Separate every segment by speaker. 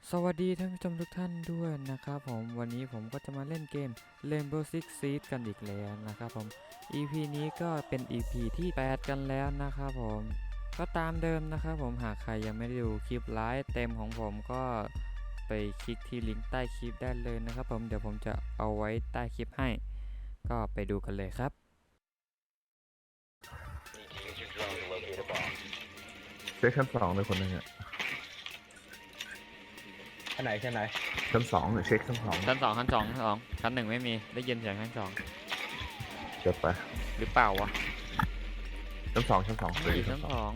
Speaker 1: สวัสดีท่านผู้ชมทุกท่านด้วยนะครับผมวันนี้ผมก็จะมาเล่นเกม Rainbow Six Siege กันอีกแล้วนะครับผม EP นี้ก็เป็น EP ที่ 8 กันแล้วนะครับผมก็ตามเดิมนะครับผมหากใครยังไม่ได้ดูคลิปไลฟ์เต็มของผมก็ไปคลิกที่ลิงก์ใต้คลิปได้เลยนะครับผมเดี๋ยวผมจะเอาไว้ใต้คลิปให้ก็ไปดูกันเลยครับ
Speaker 2: เช็คชั้นสองเลยคนหนึ่งอ่ะ
Speaker 3: ชั้นไหน
Speaker 2: ชั้นสองเช็คชั้นสอง
Speaker 1: ชั้น 2ชั้น 1ไม่มีได้ยินเสียงชั้น 2
Speaker 2: เกิดไป
Speaker 1: หรือเปล่าวะ
Speaker 2: ชั้นสอง
Speaker 1: ไม่ชั้น 2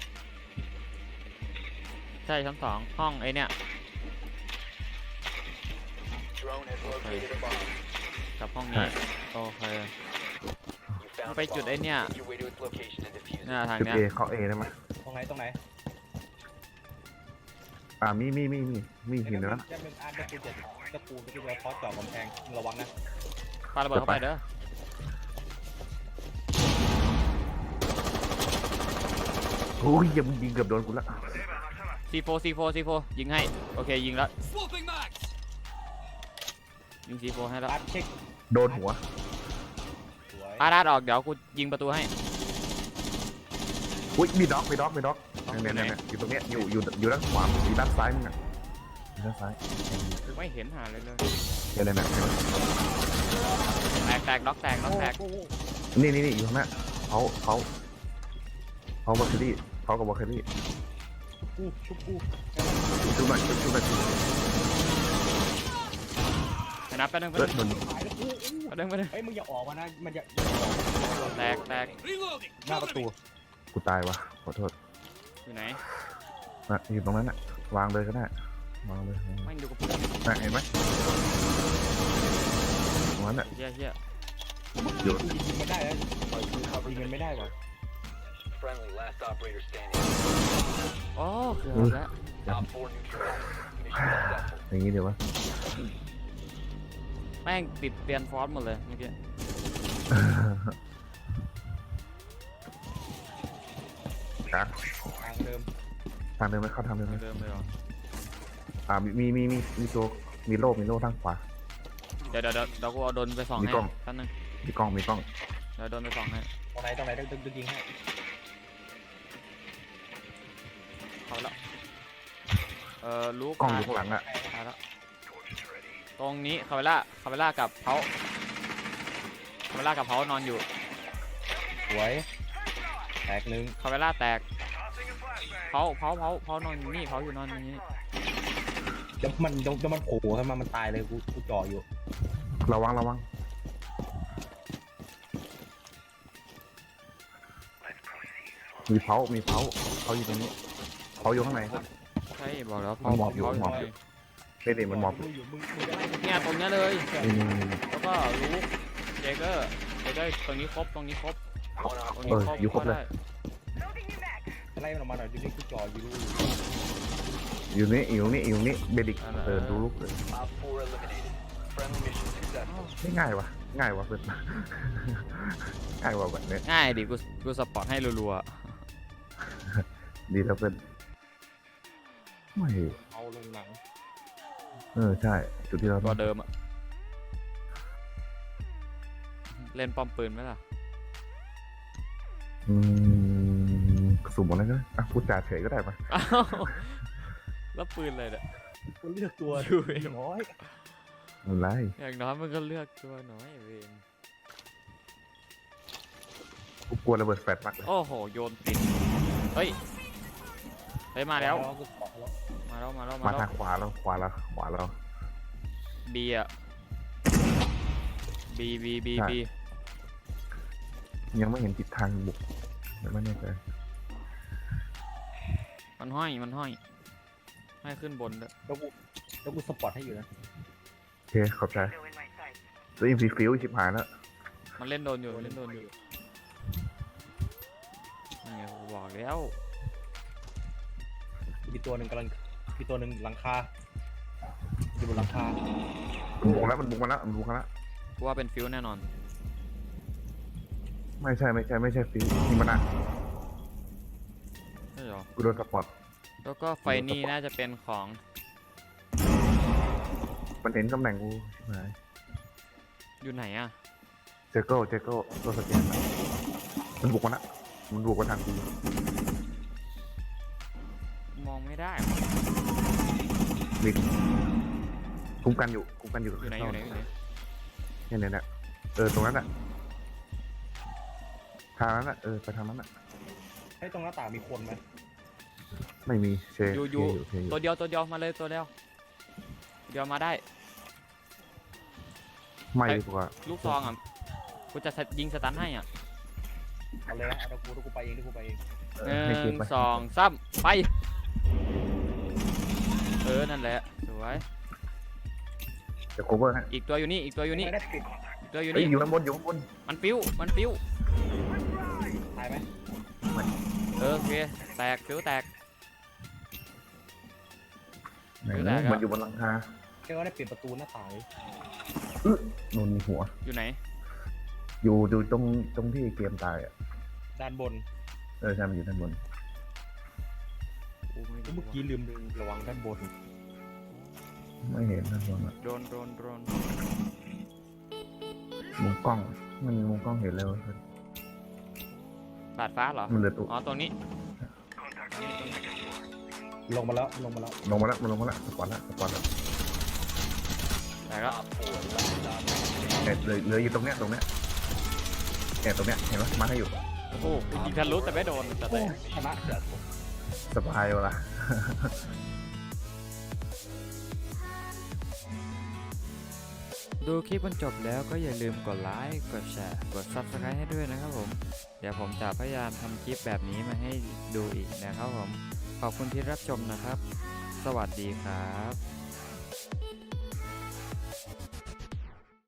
Speaker 1: ใช่ชั้น 2ห้องไอเนี่ยกับห้องนี้โอเคไปจุดไอเนี่ยทาง
Speaker 2: จุด
Speaker 1: เนี้ย
Speaker 2: เอเข้าเอได้ไหม
Speaker 3: ตรงไหน
Speaker 2: มีหินนะ
Speaker 3: จะเป็นอาร์ตจะปูนจะพอเจาะกำแพงระวังนะ
Speaker 1: ปาระเบิดเข้าไปเด้อ
Speaker 2: โอ้ยยังยิงเกือบโดนกูละ
Speaker 1: C4 ยิงให้โอเคยิงแล้วยิง C4 ให้แล้ว
Speaker 3: อาร์ตเช็ค
Speaker 2: โดนหัว
Speaker 1: อาร์ตออกเดี๋ยวกูยิงประตูให้
Speaker 2: อุ้ยมีด็อกเนี่ยอยู่ตรงเนี้ยอยู่ด้านขวาอยู่ด้านซ้ายมึงอ่ะด้านซ้าย
Speaker 1: ไม่เห็นหาเลย
Speaker 2: เนี่ย
Speaker 1: แตกด็อกแตก
Speaker 2: นี่อยู่ข้างหน้าเขาบอคเคอรี่เขากับบอคเคอรี่ชุบหน่อย
Speaker 1: ไปนับไปนึง
Speaker 3: เฮ้ยมึงอย่าออกมานะมันจะ
Speaker 1: แตก
Speaker 3: หน้าประตู
Speaker 2: กูตายวะขอโทษ
Speaker 1: อยู่ไหน
Speaker 2: อยู่ตรงนั้นน่ะวางเลยก็ได้วางเลย
Speaker 1: ไม่ดูกับ
Speaker 2: เห็นไหมตรงนั้นน่ะ
Speaker 1: เฮีย
Speaker 2: อยู่
Speaker 3: ยิงมันได้แล้วยิงมันไม่ได้ป่ะ
Speaker 1: โอ้เกือบแล้ว
Speaker 2: อย่างนี้เดี๋ยววะ
Speaker 1: แม่งติดเตียนฟอสหมดเลยเมื่อกี้
Speaker 2: ครับ
Speaker 3: ทางเดิม
Speaker 2: ไหมเข้าทางเดิมไหม
Speaker 1: เลยหรอ
Speaker 2: มีตัวมีโล่ทางขวา
Speaker 1: เดี๋ยวกูเอาโดนไปส่องให้แป๊บนึง
Speaker 2: มีกล้อง
Speaker 1: เดี๋ยวโดนไปส่องให้
Speaker 3: ตรงไหนต้องยิงให้
Speaker 1: เข้าแล้วลูก
Speaker 2: กล้องอยู่ข้างหลังอ่ะ
Speaker 1: ตรงนี้คาเวล่ากับเขานอนอยู่
Speaker 3: สวยแตกหนึ่ง
Speaker 1: คาเวล่าแตกเขานอนอยู่นี่เขาอยู่นอนอย่างนี้
Speaker 3: จะมันโผล่ขึ้นมามันตายเลยกูจ่ออยู่
Speaker 2: ระวังมีเผาเขาอยู่ตรงนี้เขาอยู่ข้างในครับ
Speaker 1: ใช่บอกแล้ว
Speaker 2: หมอบอยู่ไม่ได้มันหมอบ
Speaker 1: เนี่ยตรงนี้เลยแล้วก็ลูกเจเกอร์ตรงนี้ครบ
Speaker 2: อยู่ครบเลย
Speaker 3: ไล่มันออกมาหน่อยดูนี่กูจ่ออยู่
Speaker 2: อยู่นี่เบดิกดูลูกเลยไม่ง่ายวะเพื่อนง่ายวะแบบนี้
Speaker 1: ง่ายดิกูสปอร์ตให้รัว
Speaker 2: ๆดีแล้วเพื่อนไม่
Speaker 3: เอาลงหนัง
Speaker 2: ใช่จุดที่เรา
Speaker 1: ก็เดิมอะเล่นป้อมปืนไหมล่ะ
Speaker 2: สุ่มอะไรก็พูดจาเฉยก็ได้ปะ
Speaker 1: แล้วปืนอะไรเนี่ย
Speaker 3: กูเลือกตัว
Speaker 1: ดู
Speaker 3: น้อย
Speaker 2: อะไร
Speaker 1: อย่างน้อยมันก็เลือกตัวน้อยเอง
Speaker 2: กูกลัวระเบิดแฟลชมากเลย
Speaker 1: โอ้โหโยนติดเฮ้ยมาแล้ว
Speaker 2: มาทางขวาเรา
Speaker 1: บีอ่ะบี
Speaker 2: ยังไม่เห็นทิศทางบุกไม่แน่ใจ
Speaker 1: มันห้อยให้ขึ้นบนด้วย
Speaker 3: แล้วกูสปอร์ตให้อยู่นะ
Speaker 2: โอเคขอบใจตัวอินฟีฟิวชิบหายแล้ว
Speaker 1: มันเล่นโดนอยู่นี่กูบอกแล้ว
Speaker 3: มีตัวหนึ่งหลังคาอยู่บนหลังคา
Speaker 2: มันบุกมาแล้ว
Speaker 1: กูว่าเป็นฟิวแน่นอน
Speaker 2: ไม่ใช่ฟิวนี่มันนะ
Speaker 1: ใช่หรอ
Speaker 2: กูโดนสปอร์ต
Speaker 1: แล้วก็ไฟนี่น่าจะเป็นของ
Speaker 2: มันเห็นตำแหน่งกูชิบหาย
Speaker 1: อยู่ไหนอะ
Speaker 2: เจโก้ตัวสแกนอะมันบุกมาละมันบุกมาทางกู
Speaker 1: มองไม่ได้
Speaker 2: มิดคุ้มกันอยู่
Speaker 1: อยู่ไหนอยู่ไหนอยู่ไหน
Speaker 2: เนี่ยตรงนั้นอะทางนั้นอะไปทางนั้นอะ
Speaker 3: ให้ตรงหน้าต่างมีคนไหม
Speaker 2: ไม่มีเช
Speaker 1: อยู่
Speaker 2: เชอยู่
Speaker 1: ตัวเดียวมาเลยตัวเดียวมาได้
Speaker 2: ไม่ดีกว่า
Speaker 1: ลูกซองอ่ะกูจะยิงสตันให้อ่ะ
Speaker 3: เอาเลยนะเดี๋ยวกูไปเองเดี๋ยวกูไปเอง
Speaker 1: ห
Speaker 2: ให้เก็บ
Speaker 1: นึ่ง
Speaker 2: ไป
Speaker 1: สองสามไปนั่นแหละสวย
Speaker 2: เดี๋ยวโคเวอร์ฮะ
Speaker 1: อีกตัวอยู่นี่
Speaker 3: ไม่ได้ปิด
Speaker 1: ตัวอยู่
Speaker 2: เฮ้ย
Speaker 1: นี่
Speaker 2: อยู่ข้างบน
Speaker 1: มันปิ้ว
Speaker 3: ตายไหม
Speaker 1: โอเคแตกปิ้วแตก
Speaker 2: ไหน
Speaker 1: อยู่ไหน
Speaker 2: นะ
Speaker 1: ครับ
Speaker 2: มันอยู่บนหลังคา
Speaker 3: แค่ว่าได้ปิดประตูหน้าต่างเลย
Speaker 2: โดนหัว
Speaker 1: อยู่ไหน
Speaker 2: อยู่ตรงที่เกมตายอ่ะ
Speaker 3: ด้านบน
Speaker 2: ใช่มันอยู่ด้านบน
Speaker 3: เมื่อกี้ลืมระวังด้านบน
Speaker 2: ไม่เห็นด้านบนอ่ะ
Speaker 1: โดน
Speaker 2: มุมกล้องไม่มีมุมกล้องเห็นแล้ว
Speaker 1: บาดฟ้าเหรอ
Speaker 2: มันเหลือตัว
Speaker 1: อ๋อตรงนี้
Speaker 3: ลงมาแล้ว
Speaker 2: ลงมาแล้วสปอร์ตแล้ว
Speaker 1: แต่ก็
Speaker 2: เหลืออยู่ตรงเนี้ยตรงเนี้ยเห็นไหมมาให้อยู่
Speaker 1: โอ้โหยิงทะลุแต่ไม่โดนแต่แตก
Speaker 3: ชนะ
Speaker 2: สบายวะล่ะ
Speaker 1: ดูคลิปจนจบแล้วก็อย่าลืมกดไลค์ กดแชร์ กด Subscribe ให้ด้วยนะครับผม เดี๋ยวผมจะพยายามทำคลิปแบบนี้มาให้ดูอีกนะครับผม ขอบคุณที่รับชมนะครับ สวัสดีครับ